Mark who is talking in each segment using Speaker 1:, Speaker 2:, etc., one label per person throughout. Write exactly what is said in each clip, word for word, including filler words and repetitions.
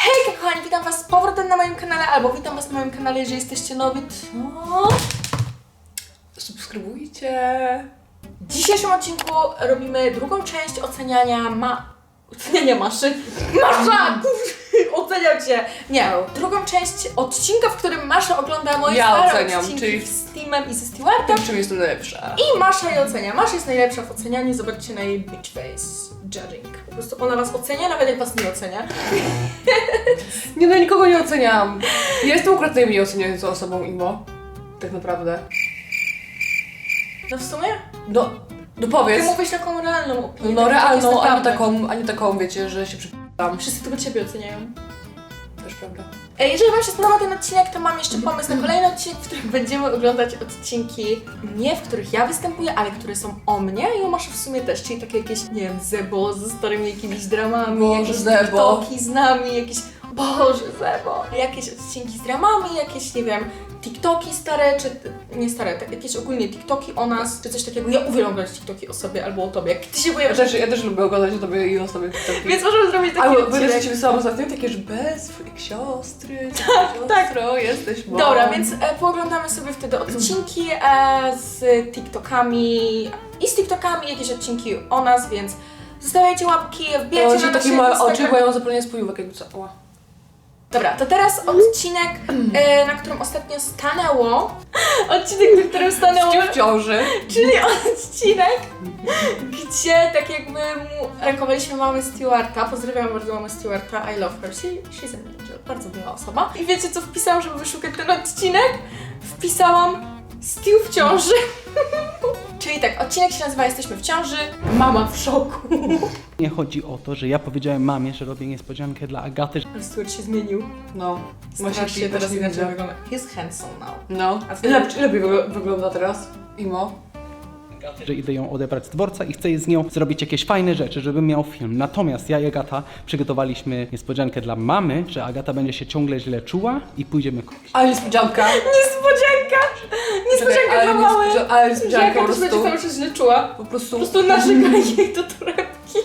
Speaker 1: Hej kochani, witam was z powrotem na moim kanale, albo witam was na moim kanale, jeżeli jesteście nowi, to... subskrybujcie. W dzisiejszym odcinku robimy drugą część oceniania ma... oceniania maszy. Masza! Oceniam cię! Nie, drugą część odcinka, w którym Masza ogląda moje
Speaker 2: ja
Speaker 1: stare
Speaker 2: oceniam,
Speaker 1: odcinki
Speaker 2: czyli
Speaker 1: z Steamem i ze Stewartem.
Speaker 2: czym jestem najlepsza.
Speaker 1: I Masza je ocenia. Masza jest najlepsza w ocenianiu, zobaczcie na jej bitch face judging. Po prostu ona was ocenia, nawet jak was nie ocenia.
Speaker 2: Nie no, nikogo nie oceniam. Ja jestem akurat najmniej oceniającą osobą, Imo. Tak naprawdę.
Speaker 1: No w sumie?
Speaker 2: No, no powiedz.
Speaker 1: Ty mówisz taką realną opinię.
Speaker 2: No, no
Speaker 1: tak jak jest
Speaker 2: realną, a nie
Speaker 1: naprawdę.
Speaker 2: taką, a nie taką, wiecie, że się przypadam.
Speaker 1: Wszyscy tylko ciebie oceniają.
Speaker 2: Też prawda.
Speaker 1: Ej, jeżeli wam się spodobał ten odcinek, to mam jeszcze pomysł na kolejny odcinek, w którym będziemy oglądać odcinki nie w których ja występuję, ale które są o mnie i o Maszy w sumie też, czyli takie jakieś, nie wiem, Zebo ze starymi jakimiś dramami,
Speaker 2: Boże,
Speaker 1: jakieś
Speaker 2: Zebo.
Speaker 1: TikToki z nami, jakieś, Boże, Zebo, jakieś odcinki z dramami, jakieś, nie wiem, TikToki stare, czy nie stare, tak, jakieś ogólnie TikToki o nas, czy coś takiego. Ja uwielbiam oglądać TikToki o sobie albo o tobie, jak ty się
Speaker 2: Ja
Speaker 1: pojawiasz.
Speaker 2: też, ja też lubię oglądać o tobie i o sobie TikToki.
Speaker 1: Więc możemy zrobić taki
Speaker 2: Ale
Speaker 1: odcinek.
Speaker 2: będę ci wysłałam ostatnio takie, że bez twoich siostry, tak,
Speaker 1: tak.
Speaker 2: jesteś mą.
Speaker 1: Dobra, więc e, pooglądamy sobie wtedy odcinki e, z TikTokami i z TikTokami jakieś odcinki o nas, więc zostawiajcie łapki, wbijajcie
Speaker 2: Ja
Speaker 1: na
Speaker 2: takie
Speaker 1: nasze
Speaker 2: małe oczy,
Speaker 1: Instagram.
Speaker 2: bo ja mam zapalenie spojówek jakby co. Ła.
Speaker 1: Dobra, to teraz odcinek, e, na którym ostatnio stanęło. Odcinek, na którym stanęło.
Speaker 2: Ścił w ciąży.
Speaker 1: Czyli odcinek, gdzie tak jakby mu rękowaliśmy mamy Stewarta. Pozdrawiam bardzo mamę Stewarta, I love her, she, she's an angel, bardzo miła osoba. I wiecie co wpisałam, żeby wyszukać ten odcinek? Wpisałam Stew w ciąży. Czyli tak, odcinek się nazywa Jesteśmy w ciąży, mama w szoku.
Speaker 3: Nie chodzi o to, że ja powiedziałem mamie, że robię niespodziankę dla Agaty.
Speaker 1: Ale Stewart się zmienił.
Speaker 2: No.
Speaker 1: Strasznie teraz
Speaker 2: nie
Speaker 1: inaczej
Speaker 2: widzę.
Speaker 1: wygląda. He's handsome now.
Speaker 2: No.
Speaker 1: A ty-
Speaker 2: Ile, ile wyg- wygląda teraz? Imo?
Speaker 3: Że idę ją odebrać z dworca i chcę z nią zrobić jakieś fajne rzeczy, żebym miał film. Natomiast ja i Agata przygotowaliśmy niespodziankę dla mamy, że Agata będzie się ciągle źle czuła i pójdziemy kupić.
Speaker 2: Ale niespodzianka.
Speaker 1: Niespodzianka! Niespodzianka
Speaker 2: ale
Speaker 1: dla mały!
Speaker 2: niespodzia- ale niespodzianka
Speaker 1: Jaka
Speaker 2: po
Speaker 1: też będzie
Speaker 2: prostu.
Speaker 1: cały czas źle czuła.
Speaker 2: Po prostu...
Speaker 1: Po prostu narzekaj jej do torebki.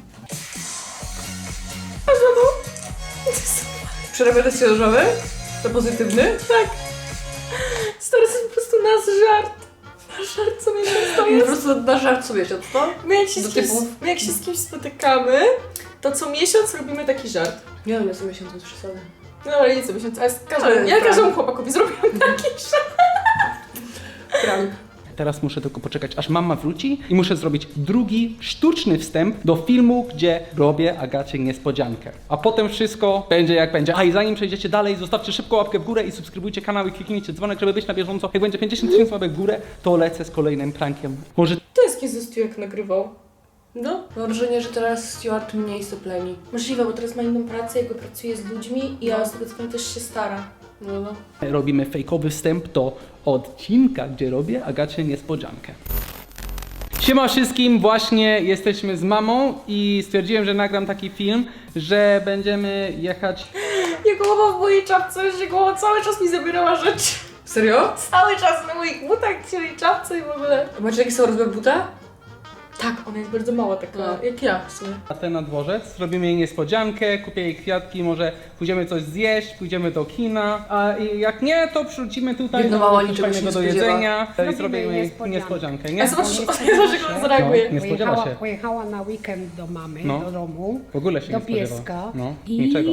Speaker 1: A za to?
Speaker 2: Przerabia test ciążowy? To pozytywny?
Speaker 1: Tak. Stary, to jest po prostu nasz żart. Nasz żart co miesiąc to
Speaker 2: Po
Speaker 1: jest.
Speaker 2: prostu na żart co miesiąc, to?
Speaker 1: My jak, się
Speaker 2: do
Speaker 1: z kimś,
Speaker 2: typów.
Speaker 1: my jak się z kimś spotykamy, to co miesiąc robimy taki żart.
Speaker 2: Nie wiem, ja co miesiąc bez przesady.
Speaker 1: No ale nie co miesiąc, ale z każdym,
Speaker 2: Ale
Speaker 1: ja
Speaker 2: prawda.
Speaker 1: każdemu chłopakowi zrobiłam taki żart.
Speaker 2: Prank.
Speaker 3: Teraz muszę tylko poczekać, aż mama wróci i muszę zrobić drugi sztuczny wstęp do filmu, gdzie robię Agacie niespodziankę. A potem wszystko będzie jak będzie. A i zanim przejdziecie dalej, zostawcie szybko łapkę w górę i subskrybujcie kanał i kliknijcie dzwonek, żeby być na bieżąco. Jak będzie pięćdziesiąt tysięcy łapek w górę, to lecę z kolejnym prankiem. Może
Speaker 1: To jest kiedy Stu jak nagrywał.
Speaker 2: No. Mam wrażenie, że teraz Stewart mniej sopleni.
Speaker 1: Możliwe, bo teraz ma inną pracę, jakby pracuje z ludźmi i ja z tego co wiem też się stara.
Speaker 2: No, no.
Speaker 3: robimy fejkowy wstęp do odcinka, gdzie robię Agacie niespodziankę. Siema wszystkim, właśnie jesteśmy z mamą i stwierdziłem, że nagram taki film, że będziemy jechać...
Speaker 1: Jego głowa w mojej czapce, że głowa cały czas mi zabierała rzeczy.
Speaker 2: Serio?
Speaker 1: Cały czas na moich butach, cieli czapce i w ogóle.
Speaker 2: A macie jakiś rozmiar buta?
Speaker 1: Tak, ona jest bardzo mała taka,
Speaker 2: No.
Speaker 1: jak ja w sumie.
Speaker 3: Na ten na dworzec, zrobimy jej niespodziankę, kupię jej kwiatki, może pójdziemy coś zjeść, pójdziemy do kina, a i jak nie, to przyrzucimy tutaj
Speaker 2: Biedna
Speaker 3: no,
Speaker 2: mama
Speaker 3: coś
Speaker 2: niczego się
Speaker 3: fajnego
Speaker 2: nie
Speaker 3: do
Speaker 2: spodziewa.
Speaker 3: jedzenia i
Speaker 4: Zrobimy
Speaker 3: zrobimy jej
Speaker 4: niespodziankę.
Speaker 3: niespodziankę,
Speaker 1: A
Speaker 3: nie?
Speaker 1: zobacz,
Speaker 4: Bo
Speaker 1: zobacz,
Speaker 4: nie
Speaker 1: jak ona zareaguje.
Speaker 3: No, nie spodziewa
Speaker 4: Pojechała,
Speaker 3: się.
Speaker 4: pojechała na weekend do mamy,
Speaker 3: No.
Speaker 4: do domu,
Speaker 3: W ogóle się
Speaker 4: do
Speaker 3: nie spodziewa.
Speaker 4: pieska
Speaker 3: No,
Speaker 4: i,
Speaker 3: niczego.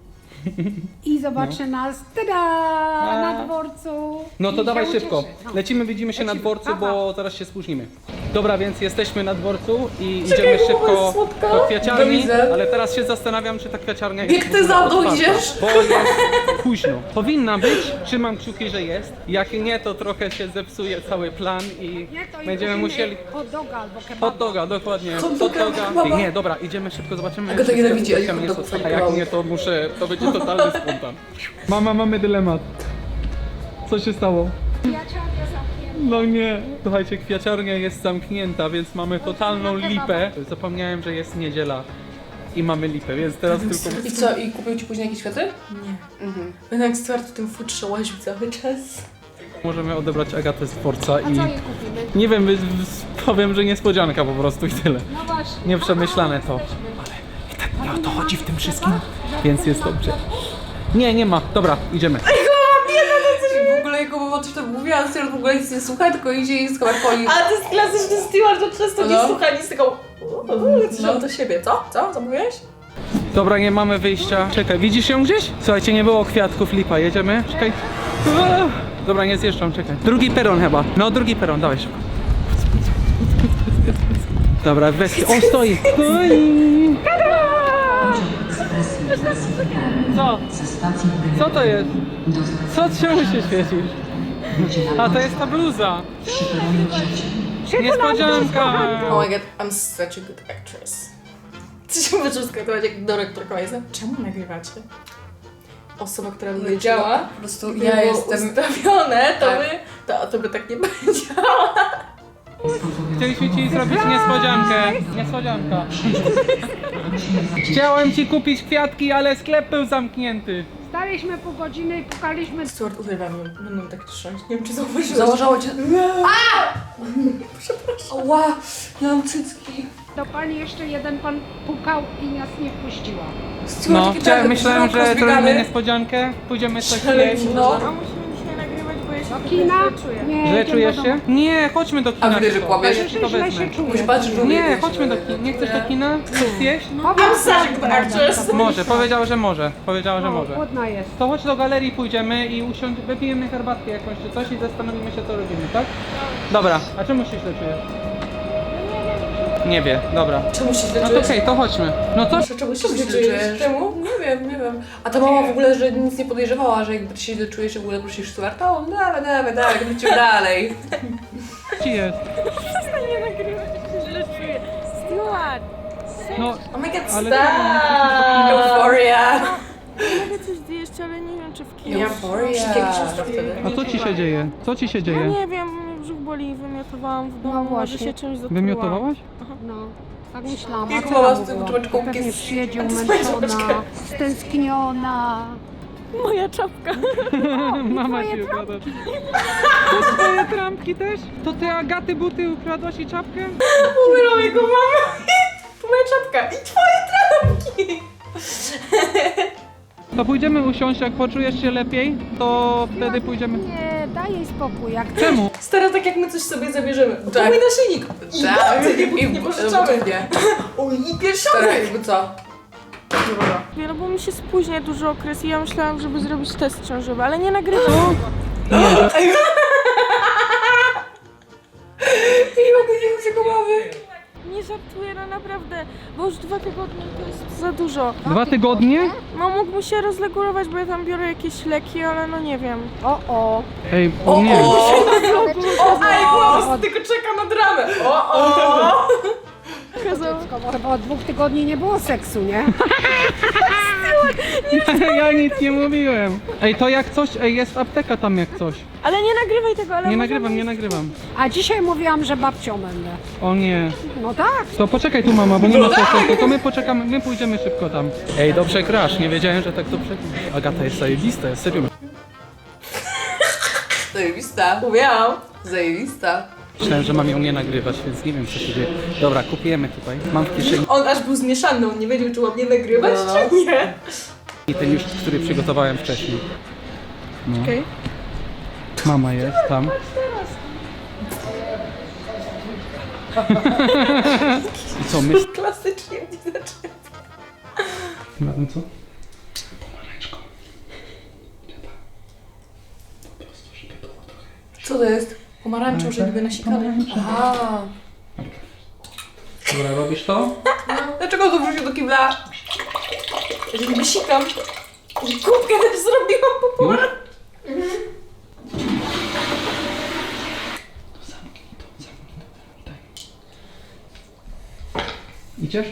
Speaker 4: i zobaczy nas, tada, na dworcu.
Speaker 3: No to
Speaker 4: I
Speaker 3: dawaj
Speaker 4: się
Speaker 3: szybko.
Speaker 4: ucieszy. No.
Speaker 3: Lecimy, widzimy się na
Speaker 4: Lecimy.
Speaker 3: dworcu,
Speaker 4: Pa, pa.
Speaker 3: bo zaraz się spóźnimy. Dobra, więc jesteśmy na dworcu i
Speaker 1: Czekaj,
Speaker 3: idziemy
Speaker 1: bo
Speaker 3: szybko
Speaker 1: jest słodka.
Speaker 3: do
Speaker 2: To
Speaker 3: kwiaciarni,
Speaker 2: widzę.
Speaker 3: ale teraz się zastanawiam, czy ta kwiaciarnia jest
Speaker 2: Jak
Speaker 3: w
Speaker 2: ty
Speaker 3: ogóle
Speaker 2: za mną
Speaker 3: otwarta,
Speaker 2: idziesz?
Speaker 3: Bo jest późno. Powinna być, trzymam kciuki, że jest. Jak nie, to trochę się zepsuje cały plan i
Speaker 4: Nie, to
Speaker 3: będziemy
Speaker 4: kupimy
Speaker 3: musieli...
Speaker 4: hot doga albo kebaba.
Speaker 3: Hot doga, dokładnie.
Speaker 2: Hot
Speaker 3: Hot
Speaker 2: doga,
Speaker 3: doga.
Speaker 2: kebaba.
Speaker 3: Nie, dobra, idziemy szybko, zobaczymy.
Speaker 2: Agata
Speaker 3: czy
Speaker 2: nienawidzi, ale
Speaker 3: tam
Speaker 2: hot
Speaker 3: jest
Speaker 2: dogów
Speaker 3: otwarta.
Speaker 2: nie
Speaker 3: Jak
Speaker 2: kebabów.
Speaker 3: nie, to muszę, to będzie totalny spontan. Mama, mamy dylemat. Co się stało?
Speaker 4: Kwiaciarnia zamknięta.
Speaker 3: No nie. Słuchajcie, kwiaciarnia jest zamknięta, więc mamy totalną lipę. Zapomniałem, że jest niedziela i mamy lipę, więc teraz tylko...
Speaker 2: I co, i kupił ci później jakieś kwiaty?
Speaker 1: Nie.
Speaker 2: Mhm.
Speaker 1: Będę jak Stuart w tym futrze łaził cały czas.
Speaker 3: Możemy odebrać Agatę z dworca
Speaker 4: A
Speaker 3: i...
Speaker 4: co jej kupimy?
Speaker 3: Nie wiem, wy- wy- powiem, że niespodzianka po prostu i tyle.
Speaker 4: No właśnie.
Speaker 3: Nieprzemyślane to.
Speaker 4: Jesteśmy.
Speaker 3: Ale i tak nie o to chodzi w tym tym wszystkim, więc jest dobrze. Nie, nie ma. Dobra, idziemy.
Speaker 2: W ogóle jako mama coś tam mówiła, a Stewart w ogóle nic nie słucha, tylko idzie i z kamerkoi.
Speaker 1: A to jest klasyczny Stewart, że często nie
Speaker 2: No.
Speaker 1: słucha nic, tylko no. do siebie. Co? Co? Co mówiłeś?
Speaker 3: Dobra, nie mamy wyjścia. Czekaj, widzisz ją gdzieś? Słuchajcie, nie było kwiatków, lipa. Jedziemy? Czekaj. Dobra, nie zjeżdżam, czekaj. Drugi peron chyba. No, drugi peron, dawaj szybko. Dobra, weź. O, stoi! Stoi! Co? Co to jest? Co? Czemu się świecisz? A, to jest ta bluza. Niespodzianka!
Speaker 1: Oh my god, I'm such a good actress. Co się możesz skatować jak dyrektorka jest? Czemu nagrywacie? Osoba, która
Speaker 2: Nie
Speaker 1: by
Speaker 2: działa, po prostu
Speaker 1: było
Speaker 2: ja jestem...
Speaker 1: ustawione, to
Speaker 2: Tak.
Speaker 1: by, to, to by tak nie będzie.
Speaker 3: Chcieliśmy ci zrobić niespodziankę. Niespodzianka. Chciałem ci kupić kwiatki, ale sklep był zamknięty.
Speaker 4: Staliśmy pół godziny i pukaliśmy.
Speaker 1: Stuart, uwielbiam ją. Będą tak trząść. Nie wiem, czy zauważyłeś.
Speaker 2: Założało cię... A! Przepraszam. Ła, ja mam cycki.
Speaker 4: Do pani jeszcze jeden pan pukał i nas nie wpuściła.
Speaker 2: Stewart,
Speaker 3: No,
Speaker 2: taki
Speaker 3: chciałem,
Speaker 2: tak
Speaker 3: myślałem,
Speaker 2: wzrok
Speaker 3: że
Speaker 2: rozbiegany.
Speaker 3: zrobimy niespodziankę. Pójdziemy coś
Speaker 1: Ale
Speaker 3: jeść.
Speaker 2: No.
Speaker 5: A musimy dzisiaj nagrywać, bo ja się
Speaker 4: Do kina?
Speaker 5: czuję.
Speaker 4: Nie,
Speaker 3: Źle
Speaker 4: jedziemy
Speaker 3: czujesz
Speaker 4: do
Speaker 3: się?
Speaker 4: domu.
Speaker 3: Nie, chodźmy do kina.
Speaker 2: A wiesz, że
Speaker 3: szybko.
Speaker 2: kłamiesz?
Speaker 3: Ja ci to
Speaker 4: Źle
Speaker 3: wezmę.
Speaker 4: się czuję.
Speaker 2: Musisz patrzeć, że
Speaker 3: Nie, chodźmy do kina. Nie chcesz do kina? Chcesz zjeść?
Speaker 4: Powiem
Speaker 1: such a good actress.
Speaker 3: Może, powiedziała, że może. Powiedziała, że
Speaker 4: No,
Speaker 3: może.
Speaker 4: głodna jest.
Speaker 3: To chodź do galerii, pójdziemy i usiądź, wypijemy herbatkę jakąś czy coś i zastanowimy się, co robimy, tak? Dobra, a czemu się źle czujesz? Nie wie, dobra.
Speaker 1: Czemu się źle
Speaker 3: No to
Speaker 1: czujesz?
Speaker 3: okej, to chodźmy. No co?
Speaker 1: Czemu się
Speaker 2: Czemu
Speaker 1: źle
Speaker 2: się
Speaker 1: czujesz?
Speaker 2: czujesz?
Speaker 1: Czemu?
Speaker 2: Nie wiem, nie wiem. A ta mama w ogóle, że nic nie podejrzewała, że jakby ty się źle czujesz, w ogóle prosisz Stewarta, on dawaj, dawaj, dawaj, lecimy dalej.
Speaker 3: Ci jest.
Speaker 5: Przestań nie nagrywać, jak się źle czuję. Stewart!
Speaker 3: No,
Speaker 1: Oh my god,
Speaker 3: Ale-
Speaker 1: stop!
Speaker 2: Euphoria.
Speaker 5: Mogę coś zjeść, ale nie wiem, czy w kinie.
Speaker 1: Ja
Speaker 2: Euphoria.
Speaker 1: wszystkie książki wtedy.
Speaker 3: a co ci się dzieje? Co ci się
Speaker 5: No
Speaker 3: dzieje?
Speaker 5: nie wiem, brzuch boli i wymiotowałam w domu,
Speaker 4: No
Speaker 5: może
Speaker 4: właśnie.
Speaker 5: się czymś zatrułam.
Speaker 3: Wymiotowałaś?
Speaker 4: No, tak myślałam.
Speaker 2: Jak
Speaker 4: A
Speaker 2: mama
Speaker 4: co
Speaker 2: z
Speaker 4: tam
Speaker 2: tym
Speaker 4: było?
Speaker 2: czubeczką
Speaker 4: Pewnie
Speaker 2: jest-
Speaker 4: przyjedzie
Speaker 1: A to jest moja
Speaker 4: umęczona,
Speaker 1: czapeczka.
Speaker 4: stęskniona.
Speaker 5: Moja czapka.
Speaker 3: Mama ci ukradła. To twoje trampki też? To ty Agaty buty ukradłaś i czapkę?
Speaker 1: Umyrą jego mamę. To moja czapka i twoje trampki.
Speaker 3: To pójdziemy usiąść, jak poczujesz się lepiej, to wtedy pójdziemy.
Speaker 4: Nie, daj jej spokój. Jak
Speaker 3: Czemu?
Speaker 1: Stara, tak jak my coś sobie zabierzemy. To
Speaker 2: Tak.
Speaker 1: mój naszyjnik. I
Speaker 2: Tak,
Speaker 1: buty, nie, buty, nie
Speaker 2: i
Speaker 1: pożyczamy.
Speaker 2: nie.
Speaker 1: O, i
Speaker 2: Teraz
Speaker 1: pierścionek.
Speaker 2: jakby co?
Speaker 1: Dobra.
Speaker 5: No bo mi się spóźnia duży okres i ja myślałam, żeby zrobić test ciążowy, ale nie nagrywam.
Speaker 2: Nie mogę nie mieć jego mowy.
Speaker 5: Nie żartuję, no naprawdę, bo już dwa tygodnie to jest za dużo.
Speaker 3: Dwa tygodnie?
Speaker 5: No mógłby się rozregulować, bo ja tam biorę jakieś leki, ale no nie wiem.
Speaker 4: O, o.
Speaker 3: Ej,
Speaker 2: O,
Speaker 3: nie.
Speaker 2: o.
Speaker 1: O, ej, głos, tylko czeka na dramę. O, o.
Speaker 5: Kazał...
Speaker 4: Chyba od dwóch tygodni nie było seksu, nie?
Speaker 3: Ja nic nie mówiłem. Ej, to jak coś, ej, jest apteka tam jak coś.
Speaker 5: Ale nie nagrywaj tego, ale
Speaker 3: Nie
Speaker 5: możemy
Speaker 3: nagrywam, nie
Speaker 5: iść-
Speaker 3: nagrywam.
Speaker 4: A dzisiaj mówiłam, że babcią będę.
Speaker 3: O nie.
Speaker 4: No tak.
Speaker 3: To poczekaj tu mama, bo nie ma sensu, to my poczekamy, my pójdziemy szybko tam. Ej, dobrze grasz, nie wiedziałem, że tak dobrze. Agata jest zajebista, jest serio.
Speaker 2: Zajebista.
Speaker 1: Umiałam.
Speaker 2: Zajebista.
Speaker 3: Myślałem, że mam ją nie nagrywać, więc nie wiem co się dzieje. Dobra, kupujemy tutaj. Mam w kieszeni
Speaker 1: On aż był zmieszany, on nie wiedział, czy ładnie nagrywać,
Speaker 2: No.
Speaker 1: czy nie.
Speaker 3: ten już, który przygotowałem wcześniej. No.
Speaker 1: Okej.
Speaker 3: Mama jest tam. I co, my...
Speaker 1: Klasycznie mnie zaczęło.
Speaker 3: Na tym co? Pomarańczką. Po prostu, żeby było trochę.
Speaker 2: Co to jest?
Speaker 1: Pomarańczą, że niby nasikane.
Speaker 2: Aha.
Speaker 3: Dobra, robisz to?
Speaker 2: Dlaczego to wrzucił do kibla?
Speaker 1: Że niby sikam. I kubkę też zrobiłam po
Speaker 3: Już?
Speaker 1: pomarańczu.
Speaker 3: To zamknij to, zamknij to. Daj. Idziesz?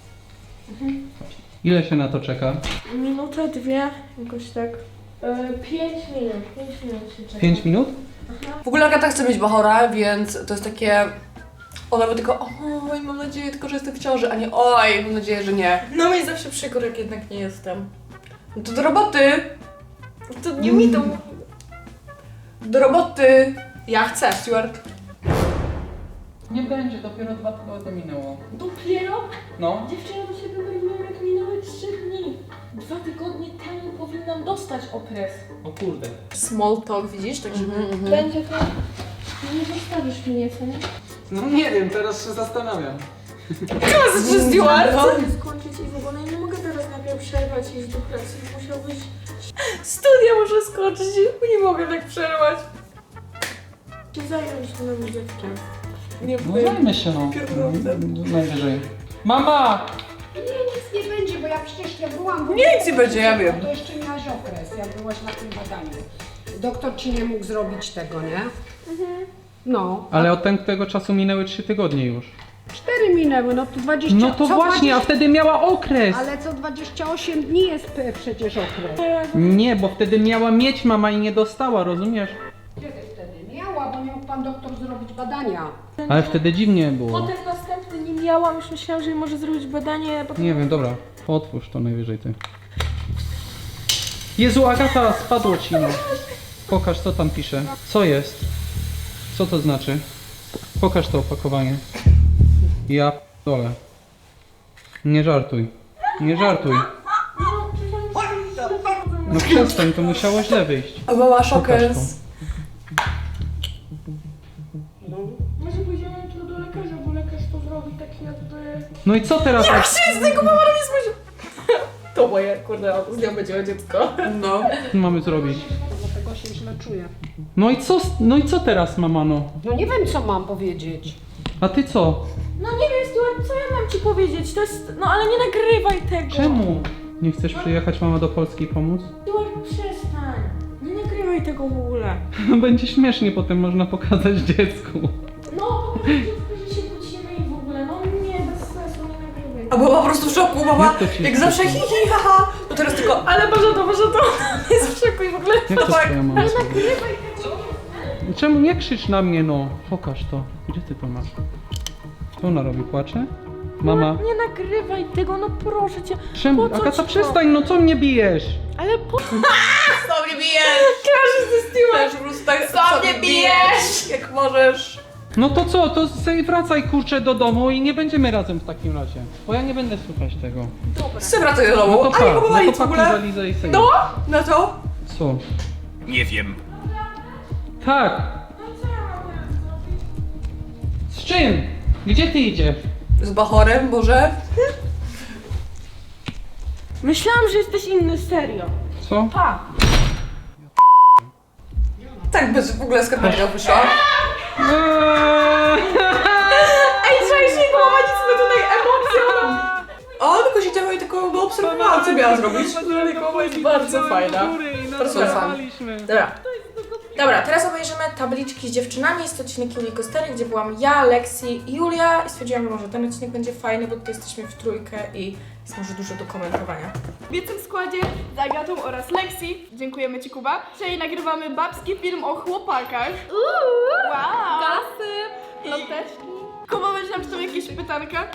Speaker 3: Ile się na to czeka?
Speaker 5: Minutę, dwie, jakoś tak. Yy, pięć minut, pięć minut się czeka.
Speaker 3: Pięć minut?
Speaker 2: W ogóle Agata chce mieć bachora, więc to jest takie... Ona by tylko oj, mam nadzieję tylko, że jestem w ciąży, a nie oj, mam nadzieję, że nie.
Speaker 1: No mi zawsze przykro, jak jednak nie jestem.
Speaker 2: No to do roboty!
Speaker 1: To nie mi to...
Speaker 2: Do roboty!
Speaker 1: Ja chcę.
Speaker 2: Stewart.
Speaker 3: Nie będzie, dopiero dwa tygodnie minęło.
Speaker 1: Dopiero?
Speaker 3: No.
Speaker 1: Dziewczyna do siebie mówiła, jak minęły trzy dni. Dwa tygodnie temu powinnam dostać okres.
Speaker 3: O kurde.
Speaker 1: Small talk, widzisz? Tak, żeby...
Speaker 5: Będzie to... Nie zostawisz mnie, co nie?
Speaker 3: No nie wiem, teraz się zastanawiam.
Speaker 1: Czy Stewart?
Speaker 5: Chcę skończyć i w ogóle nie mogę teraz nagle przerwać i iść do pracy. Musiałbyś...
Speaker 1: Studia muszę skończyć, nie mogę tak przerwać.
Speaker 5: się zająć nowym dzieckiem.
Speaker 1: Nie
Speaker 3: No
Speaker 1: wiem.
Speaker 3: zajmę się no. Najwyżej. Mama!
Speaker 4: Nie, nic nie będzie, bo ja przecież ja byłam...
Speaker 2: Nie, nic nie będzie, ja wiem.
Speaker 4: To jeszcze miałaś okres, jak byłaś na tym badaniu. Doktor ci nie mógł zrobić tego, nie? No.
Speaker 3: Ale od ten, tego czasu minęły trzy tygodnie już.
Speaker 4: Cztery minęły, no to dwadzieścia...
Speaker 3: No to
Speaker 4: co
Speaker 3: właśnie, a
Speaker 4: dwadzieścia
Speaker 3: wtedy miała okres!
Speaker 4: Ale co dwadzieścia osiem dni jest p- przecież okres.
Speaker 3: Nie, bo wtedy miała mieć mama i nie dostała, rozumiesz?
Speaker 4: Kiedy wtedy? Miała, bo nie mógł pan doktor zrobić badania.
Speaker 3: Ale wtedy dziwnie było.
Speaker 5: Potem następny nie miałam, już myślałam, że może zrobić badanie, potem...
Speaker 3: Nie wiem, dobra. Otwórz to najwyżej ty. Jezu, Agata, spadło ci no. Pokaż, co tam pisze. Co jest? Co to znaczy? Pokaż to opakowanie. Ja dole. Nie żartuj. Nie żartuj. No przestań, to musiało źle wyjść.
Speaker 2: A mama
Speaker 3: Pokaż
Speaker 2: szokers.
Speaker 5: Może pójdziemy jutro do lekarza, bo lekarz to zrobi tak jakby...
Speaker 3: No i co teraz?
Speaker 1: Jak się z tego mama nie spojrzy? To moje, kurde, z nią będzie dziecko.
Speaker 2: No.
Speaker 3: mamy zrobić?
Speaker 4: Dlatego się źle czuję.
Speaker 3: No i co, no i co teraz, mama no?
Speaker 4: No nie wiem, co mam powiedzieć.
Speaker 3: A ty co?
Speaker 5: No nie wiem, Stuart, co ja mam ci powiedzieć? To jest... No ale nie nagrywaj tego.
Speaker 3: Czemu? Nie chcesz przyjechać mama do Polski i pomóc?
Speaker 5: Stuart, przestań. Nie nagrywaj tego w ogóle.
Speaker 3: No będzie śmiesznie, potem można pokazać dziecku.
Speaker 5: No, po prostu dziecku, że się kłócimy i w ogóle. No nie, bez sensu, nie nagrywaj.
Speaker 2: A była po prostu w szoku, mama.
Speaker 3: Jak to ci
Speaker 2: Jak
Speaker 3: jest
Speaker 2: zawsze hi
Speaker 3: smutno?
Speaker 2: hi haha. To teraz tylko...
Speaker 1: Ale Boże to, Boże to, jest w szoku i w ogóle...
Speaker 3: Jak to
Speaker 2: tak.
Speaker 3: twoja mama zrobi? Czemu nie krzycz na mnie, no? Pokaż to. Gdzie ty to masz? Co ona robi? Płacze? Mama.
Speaker 5: Nie nagrywaj tego, no proszę cię.
Speaker 3: Czemu?
Speaker 5: Po co
Speaker 3: Agata,
Speaker 5: ci to?
Speaker 3: przestań, no co mnie bijesz?
Speaker 5: Ale po...
Speaker 2: Co mnie bijesz?
Speaker 1: Każdy ze Stewart!
Speaker 2: Też po prostu tak...
Speaker 1: Co mnie bijesz?
Speaker 2: Jak możesz.
Speaker 3: No to co? To sobie wracaj kurczę do domu i nie będziemy razem w takim razie. Bo ja nie będę słuchać tego.
Speaker 2: Chcę wracać do
Speaker 3: No
Speaker 2: domu.
Speaker 3: to
Speaker 2: A nie
Speaker 3: pa, no
Speaker 2: próbowali
Speaker 3: to
Speaker 2: w
Speaker 3: pakuj
Speaker 2: ogóle.
Speaker 3: walizę i sobie.
Speaker 2: No? Na to?
Speaker 3: Co?
Speaker 6: Nie wiem.
Speaker 3: Tak. Z czym? Gdzie ty idziesz?
Speaker 2: Z bachorem, Boże.
Speaker 5: Myślałam, że jesteś inny, serio.
Speaker 3: Co?
Speaker 5: Pa!
Speaker 2: Tak bez w ogóle skarpetka wyszła.
Speaker 3: Eee.
Speaker 1: Ej, trzeba się prowadzić tutaj emocją.
Speaker 2: O, tylko siedziała i tylko no, obserwowała, co miała zrobić.
Speaker 1: To jest bardzo fajna.
Speaker 2: Bardzo fajna.
Speaker 1: Dobra. Dobra, teraz obejrzymy tabliczki z dziewczynami. Jest to odcinek Julii Kostery, gdzie byłam ja, Lexi i Julia. I stwierdziłam, że może ten odcinek będzie fajny, bo tutaj jesteśmy w trójkę i jest może dużo do komentowania.
Speaker 7: W jednym składzie z Agatą oraz Lexi, dziękujemy Ci Kuba, dzisiaj nagrywamy babski film o chłopakach. Uuu, wow! Gasy, ploteczki. Kuba będzie nam czytał jakieś pytanka.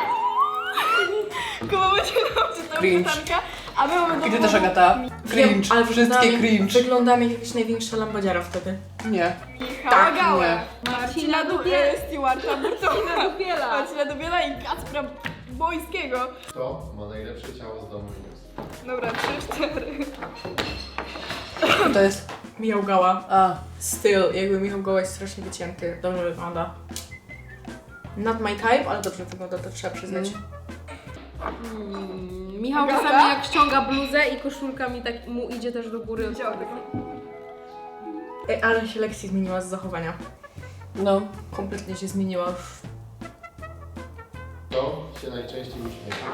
Speaker 7: Kuba będzie nam czytał
Speaker 2: Cringe.
Speaker 7: pytanka, a my mamy do
Speaker 2: I ty też, Agata. Cringe,
Speaker 1: ale
Speaker 2: wszystkie
Speaker 1: wyglądamy-
Speaker 2: cringe.
Speaker 1: Wyglądamy jak jakaś największa lambadziara wtedy.
Speaker 2: Nie.
Speaker 7: Michała
Speaker 2: Tak,
Speaker 7: Gałę,
Speaker 2: nie.
Speaker 7: Marcina Dubiela, Stewarta Burtona, Marcina Dubiela i Kacpra Bojskiego.
Speaker 8: Kto ma najlepsze ciało z domu jest?
Speaker 7: Dobra, trzy, cztery.
Speaker 2: Co to jest?
Speaker 1: Michał Gała.
Speaker 2: A.
Speaker 1: Styl, jakby Michał Gała jest strasznie wycięty. Dobrze wygląda. Not my type, ale dobrze wygląda, to trzeba przyznać.
Speaker 9: Michał
Speaker 7: Agata?
Speaker 9: czasami jak ściąga bluzę i koszulka mi tak mu idzie też do góry.
Speaker 1: Ej, ale się Lexi zmieniła z zachowania.
Speaker 2: No.
Speaker 1: Kompletnie się zmieniła już.
Speaker 8: Kto się najczęściej uśmiecha?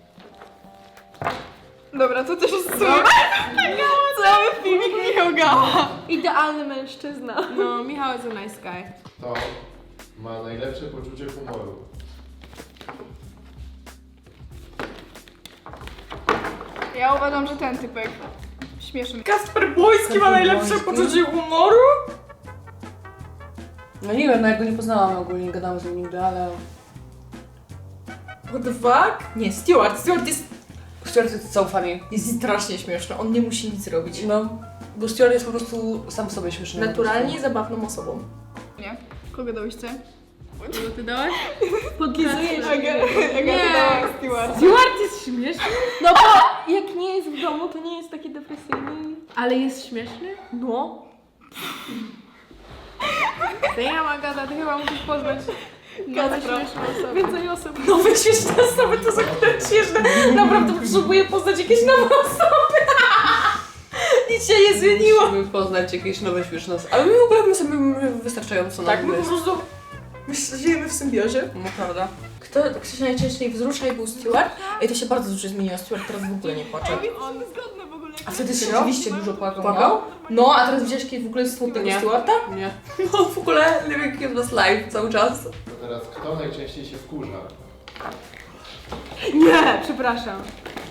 Speaker 7: Dobra, to też jest super. Cały filmik Michał Gała.
Speaker 9: Idealny mężczyzna. No, Michał is a nice guy.
Speaker 8: Kto ma najlepsze poczucie humoru?
Speaker 7: Ja uważam, że ten typek śmieszny.
Speaker 1: Kasper Bojski ma najlepsze
Speaker 2: Bojski?
Speaker 1: poczucie humoru?
Speaker 2: No nie wiem, no jak go nie poznałam ogólnie, nie gadałam z nim nigdy, ale...
Speaker 1: What the fuck? Nie, Stewart. Stewart jest,
Speaker 2: Stuart jest so funny.
Speaker 1: jest strasznie śmieszny. On nie musi nic robić.
Speaker 2: No. Bo Stuart jest po prostu sam w sobie śmieszny.
Speaker 1: Naturalnie zabawną osobą.
Speaker 7: Nie? Kogo dałyście?
Speaker 9: Co ty dałaś?
Speaker 7: Podlizujesz. Aga, Aga
Speaker 9: Nie.
Speaker 7: dała Stewart.
Speaker 9: Stewart jest śmieszny? No bo jak nie jest w domu, to nie jest taki depresyjny. Ale jest śmieszny? No. Damn, Agata, ty chyba musisz poznać nowe śmieszne osoby. Więcej osób.
Speaker 1: Nowe śmieszne osoby to są akurat śmieszne. Naprawdę potrzebuję poznać jakieś nowe osoby. Nic się nie zmieniło.
Speaker 2: Musimy poznać jakieś nowe śmieszne osoby. Ale my w ogóle my sobie wystarczająco
Speaker 1: Tak,
Speaker 2: nam
Speaker 1: my po
Speaker 2: jest.
Speaker 1: prostu my żyjemy w symbiozie.
Speaker 2: No prawda.
Speaker 1: Kto, kto się najczęściej wzrusza i był Stewart? Ej, to się bardzo dużo zmieniło. Stewart teraz w ogóle nie płacze.
Speaker 7: On zgodny w ogóle.
Speaker 1: A wtedy
Speaker 2: Serio?
Speaker 1: rzeczywiście dużo płakał.
Speaker 2: Płakał?
Speaker 1: No, no a teraz widziałeś kiedy w ogóle smutnego
Speaker 2: Nie.
Speaker 1: Stewarta?
Speaker 2: Nie. No w ogóle Living in was life cały czas.
Speaker 8: To teraz kto najczęściej się wkurza?
Speaker 9: Nie, przepraszam.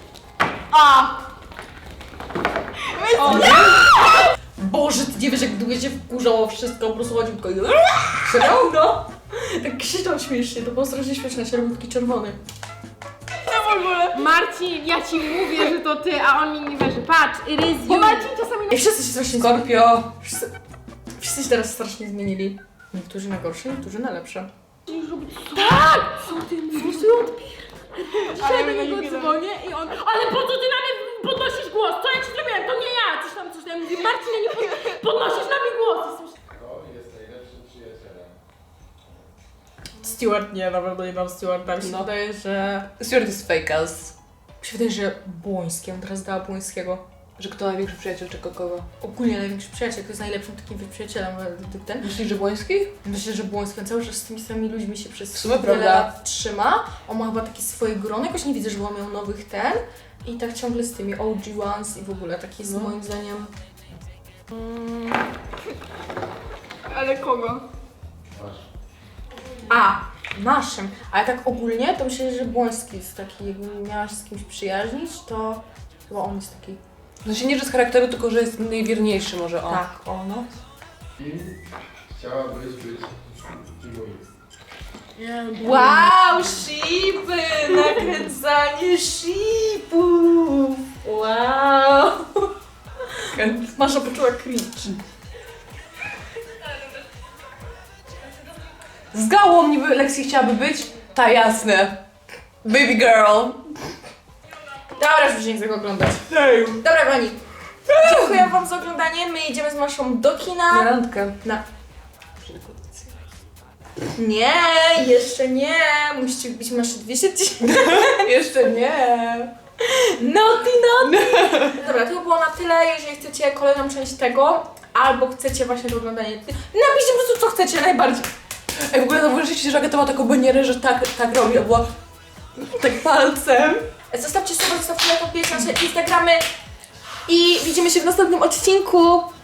Speaker 1: Boże, ty nie wiesz jak długo się wkurzało wszystko, po prostu chodził tylko i... Serio? No. Tak krzyczał śmiesznie, to było strasznie śmieszne, się robił taki czerwony.
Speaker 9: Marcin, ja ci mówię, że to ty, a on mi nie wierzy. Patrz, it is you.
Speaker 7: Bo Marcin czasami
Speaker 1: Ej, wszyscy się strasznie zmienili.
Speaker 2: Scorpio.
Speaker 1: Wszyscy, wszyscy się teraz strasznie zmienili. Niektórzy na gorsze, niektórzy na lepsze.
Speaker 9: Co ty mówisz? Dzisiaj do niego dzwonię i on, ale po co ty na mnie podnosisz głos? Co ja ci zrobiłem? To nie ja! Coś tam, coś tam. Ja mówię, Marcin, ja nie pod... podnosisz na mnie głos.
Speaker 8: Kto jest najlepszym przyjacielem?
Speaker 1: Stewart nie, na pewno nie dam Stewarta. Mi się
Speaker 2: No.
Speaker 1: wydaje, że...
Speaker 2: Stewart is fake as.
Speaker 1: Mi się wydaje, że Błoński, on teraz dała Błońskiego.
Speaker 2: Że kto największy przyjaciel czego kogo?
Speaker 1: Ogólnie największy przyjaciel, kto jest najlepszym takim przyjacielem według ten.
Speaker 2: Myślisz, że Błoński?
Speaker 1: Myślę, że Błoński on cały czas z tymi samymi ludźmi się przez
Speaker 2: W sumie
Speaker 1: wiele
Speaker 2: prawda.
Speaker 1: lat trzyma. On ma chyba takie swoje grono, jakoś nie widzę, żeby on miał nowych ten. I tak ciągle z tymi O G ones i w ogóle taki jest
Speaker 2: No.
Speaker 1: moim zdaniem...
Speaker 7: Ale kogo?
Speaker 8: Masz.
Speaker 1: A, naszym. Ale tak ogólnie to myślę, że Błoński jest taki, jakbym miała się z kimś przyjaźnić, to chyba on jest taki...
Speaker 2: No się nie, że z charakteru, tylko że jest najwierniejszy może on.
Speaker 1: Tak, o no.
Speaker 8: Kim chciałabyś być Kimuix?
Speaker 1: Wow, shipy! Nakręcanie shipów! Wow! Masza poczuła cringe.
Speaker 2: Z gałą niby Lexi chciałaby być? Ta jasne. Baby girl.
Speaker 1: Dobra, już nie chcę go oglądać. Dobra, kochani. Dziękuję wam za oglądanie. My idziemy z Maszą do
Speaker 2: Na
Speaker 1: kina.
Speaker 2: randkę.
Speaker 1: Na... Nie, jeszcze nie. Musicie wbić Maszy dwieście tysięcy.
Speaker 2: Jeszcze nie.
Speaker 1: Naughty, naughty. Dobra, to było na tyle. Jeżeli chcecie kolejną część tego, albo chcecie właśnie to oglądanie, napiszcie po prostu co chcecie najbardziej.
Speaker 2: Ej, w ogóle zauważyliście, że Agata ma taką banierę, że tak, tak robi, była tak palcem.
Speaker 1: Zostawcie suba, zostawcie lajka, wbijcie nasze Instagramy i widzimy się w następnym odcinku.